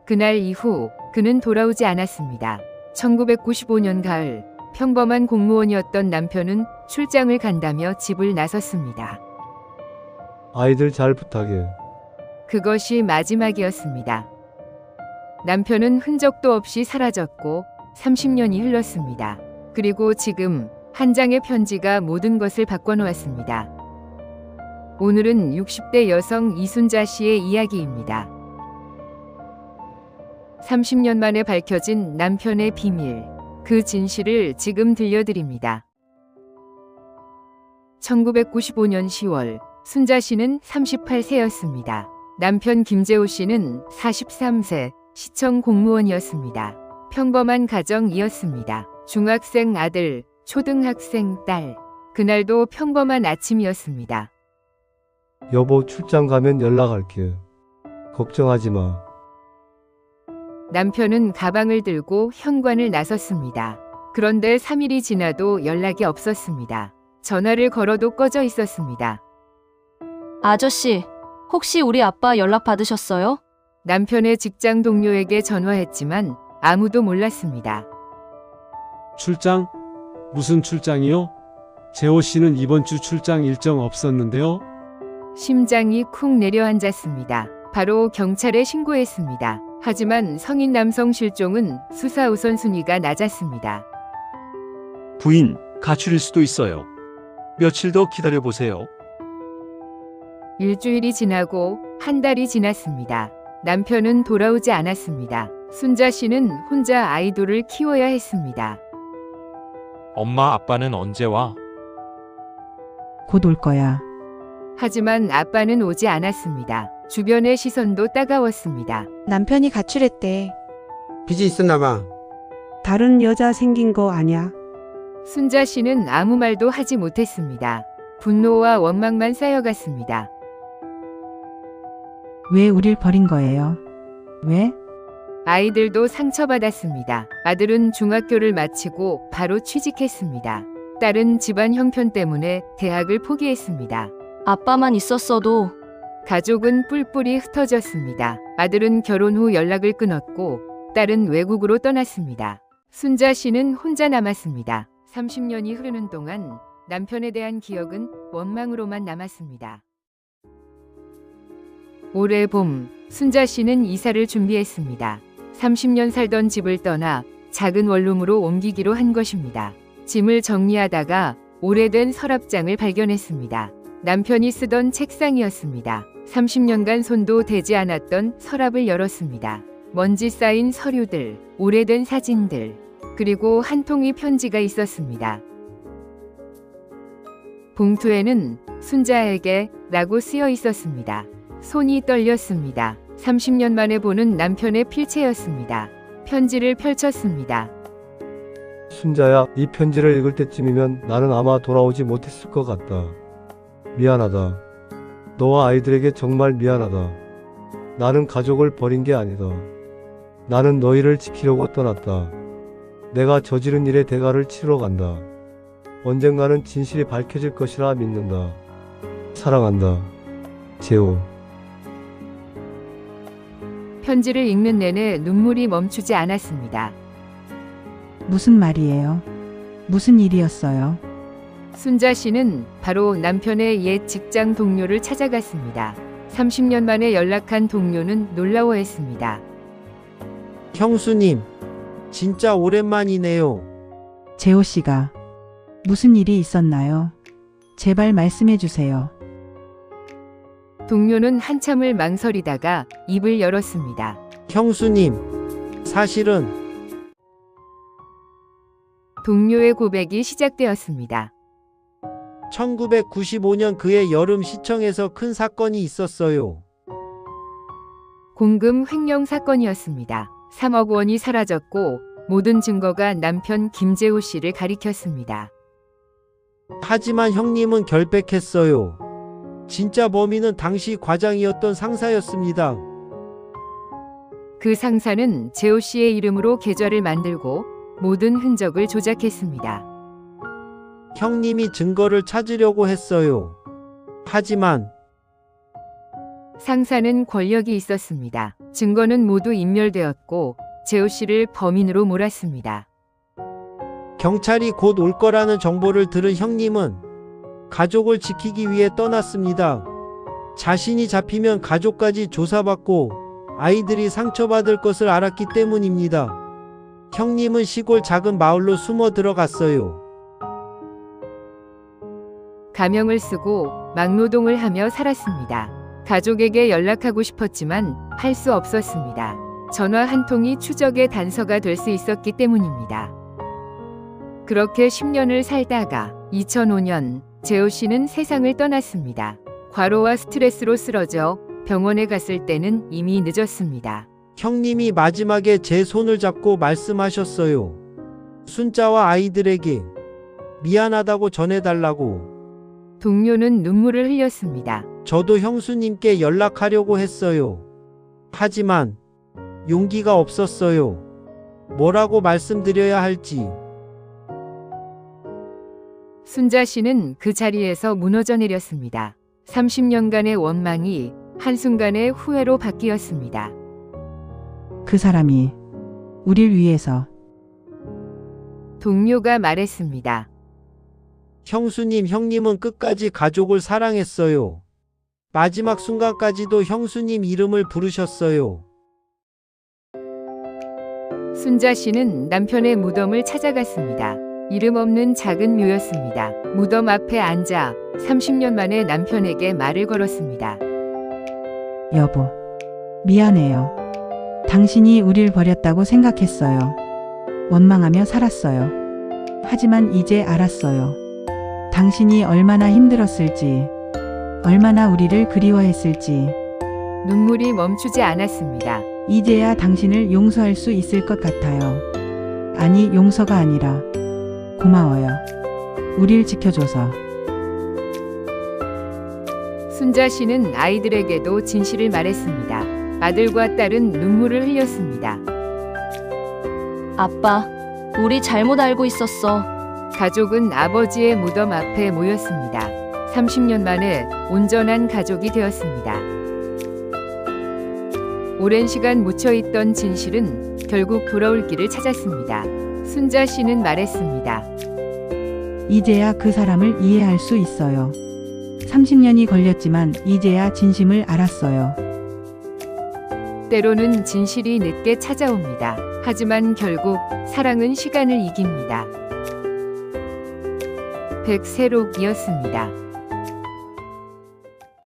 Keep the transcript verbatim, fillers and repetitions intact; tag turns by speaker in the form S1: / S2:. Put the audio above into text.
S1: 그날 이후 그는 돌아오지 않았습니다. 천구백구십오 년 가을 평범한 공무원이었던 남편은 출장을 간다며 집을 나섰습니다.
S2: 아이들 잘 부탁해.
S1: 그것이 마지막이었습니다. 남편은 흔적도 없이 사라졌고 삼십 년이 흘렀습니다. 그리고 지금 한 장의 편지가 모든 것을 바꿔놓았습니다. 오늘은 육십 대 여성 이순자 씨의 이야기입니다. 삼십 년 만에 밝혀진 남편의 비밀, 그 진실을 지금 들려드립니다. 천구백구십오 년 시월 순자 씨는 서른여덟 세였습니다. 남편 김재호 씨는 사십삼 세 시청 공무원이었습니다. 평범한 가정이었습니다. 중학생 아들, 초등학생 딸. 그날도 평범한 아침이었습니다.
S2: 여보, 출장 가면 연락할게. 걱정하지 마.
S1: 남편은 가방을 들고 현관을 나섰습니다. 그런데 삼 일이 지나도 연락이 없었습니다. 전화를 걸어도 꺼져 있었습니다.
S3: 아저씨, 혹시 우리 아빠 연락 받으셨어요?
S1: 남편의 직장 동료에게 전화했지만 아무도 몰랐습니다.
S4: 출장? 무슨 출장이요? 재호 씨는 이번 주 출장 일정 없었는데요?
S1: 심장이 쿵 내려앉았습니다. 바로 경찰에 신고했습니다. 하지만 성인 남성 실종은 수사 우선순위가 낮았습니다.
S5: 부인, 가출일 수도 있어요. 며칠 더 기다려보세요.
S1: 일주일이 지나고 한 달이 지났습니다. 남편은 돌아오지 않았습니다. 순자 씨는 혼자 아이돌을 키워야 했습니다.
S6: 엄마, 아빠는 언제 와?
S7: 곧 올 거야.
S1: 하지만 아빠는 오지 않았습니다. 주변의 시선도 따가웠습니다.
S8: 남편이 가출했대.
S9: 빚이 있었나 봐.
S7: 다른 여자 생긴 거 아냐?
S1: 순자 씨는 아무 말도 하지 못했습니다. 분노와 원망만 쌓여갔습니다.
S7: 왜 우릴 버린 거예요? 왜?
S1: 아이들도 상처받았습니다. 아들은 중학교를 마치고 바로 취직했습니다. 딸은 집안 형편 때문에 대학을 포기했습니다.
S3: 아빠만 있었어도.
S1: 가족은 뿔뿔이 흩어졌습니다. 아들은 결혼 후 연락을 끊었고 딸은 외국으로 떠났습니다. 순자 씨는 혼자 남았습니다. 삼십 년이 흐르는 동안 남편에 대한 기억은 원망으로만 남았습니다. 올해 봄, 순자 씨는 이사를 준비했습니다. 삼십 년 살던 집을 떠나 작은 원룸으로 옮기기로 한 것입니다. 짐을 정리하다가 오래된 서랍장을 발견했습니다. 남편이 쓰던 책상이었습니다. 삼십 년간 손도 대지 않았던 서랍을 열었습니다. 먼지 쌓인 서류들, 오래된 사진들, 그리고 한 통의 편지가 있었습니다. 봉투에는 순자에게 라고 쓰여 있었습니다. 손이 떨렸습니다. 삼십 년 만에 보는 남편의 필체였습니다. 편지를 펼쳤습니다.
S2: 순자야, 이 편지를 읽을 때쯤이면 나는 아마 돌아오지 못했을 것 같다. 미안하다. 너와 아이들에게 정말 미안하다. 나는 가족을 버린 게 아니다. 나는 너희를 지키려고 떠났다. 내가 저지른 일의 대가를 치르러 간다. 언젠가는 진실이 밝혀질 것이라 믿는다. 사랑한다. 재호.
S1: 편지를 읽는 내내 눈물이 멈추지 않았습니다.
S7: 무슨 말이에요? 무슨 일이었어요?
S1: 순자 씨는 바로 남편의 옛 직장 동료를 찾아갔습니다. 삼십 년 만에 연락한 동료는 놀라워했습니다.
S9: 형수님, 진짜 오랜만이네요.
S7: 재호 씨가 무슨 일이 있었나요? 제발 말씀해 주세요.
S1: 동료는 한참을 망설이다가 입을 열었습니다.
S9: 형수님, 사실은
S1: 동료의 고백이 시작되었습니다.
S9: 천구백구십오 년 그해 여름 시청에서 큰 사건이 있었어요.
S1: 공금 횡령 사건이었습니다. 삼억 원이 사라졌고 모든 증거가 남편 김재호 씨를 가리켰습니다.
S9: 하지만 형님은 결백했어요. 진짜 범인은 당시 과장이었던 상사였습니다.
S1: 그 상사는 재호 씨의 이름으로 계좌를 만들고 모든 흔적을 조작했습니다.
S9: 형님이 증거를 찾으려고 했어요. 하지만
S1: 상사는 권력이 있었습니다. 증거는 모두 인멸되었고 재호 씨를 범인으로 몰았습니다.
S9: 경찰이 곧 올 거라는 정보를 들은 형님은 가족을 지키기 위해 떠났습니다. 자신이 잡히면 가족까지 조사받고 아이들이 상처받을 것을 알았기 때문입니다. 형님은 시골 작은 마을로 숨어 들어갔어요.
S1: 가명을 쓰고 막노동을 하며 살았습니다. 가족에게 연락하고 싶었지만 할 수 없었습니다. 전화 한 통이 추적의 단서가 될 수 있었기 때문입니다. 그렇게 십 년을 살다가 이천오 년 재호 씨는 세상을 떠났습니다. 과로와 스트레스로 쓰러져 병원에 갔을 때는 이미 늦었습니다.
S9: 형님이 마지막에 제 손을 잡고 말씀하셨어요. 순자와 아이들에게 미안하다고 전해달라고.
S1: 동료는 눈물을 흘렸습니다.
S9: 저도 형수님께 연락하려고 했어요. 하지만 용기가 없었어요. 뭐라고 말씀드려야 할지.
S1: 순자 씨는 그 자리에서 무너져 내렸습니다. 삼십 년간의 원망이 한순간에 후회로 바뀌었습니다.
S7: 그 사람이 우릴 위해서
S1: 동료가 말했습니다.
S9: 형수님, 형님은 끝까지 가족을 사랑했어요. 마지막 순간까지도 형수님 이름을 부르셨어요.
S1: 순자 씨는 남편의 무덤을 찾아갔습니다. 이름 없는 작은 묘였습니다. 무덤 앞에 앉아 삼십 년 만에 남편에게 말을 걸었습니다.
S7: 여보, 미안해요. 당신이 우릴 버렸다고 생각했어요. 원망하며 살았어요. 하지만 이제 알았어요. 당신이 얼마나 힘들었을지, 얼마나 우리를 그리워했을지.
S1: 눈물이 멈추지 않았습니다.
S7: 이제야 당신을 용서할 수 있을 것 같아요. 아니, 용서가 아니라 고마워요. 우릴 지켜줘서.
S1: 순자 씨는 아이들에게도 진실을 말했습니다. 아들과 딸은 눈물을 흘렸습니다.
S3: 아빠, 우리 잘못 알고 있었어.
S1: 가족은 아버지의 무덤 앞에 모였습니다. 삼십 년 만에 온전한 가족이 되었습니다. 오랜 시간 묻혀있던 진실은 결국 돌아올 길을 찾았습니다. 순자 씨는 말했습니다.
S7: 이제야 그 사람을 이해할 수 있어요. 삼십 년이 걸렸지만 이제야 진심을 알았어요.
S1: 때로는 진실이 늦게 찾아옵니다. 하지만 결국 사랑은 시간을 이깁니다. 백세록이었습니다.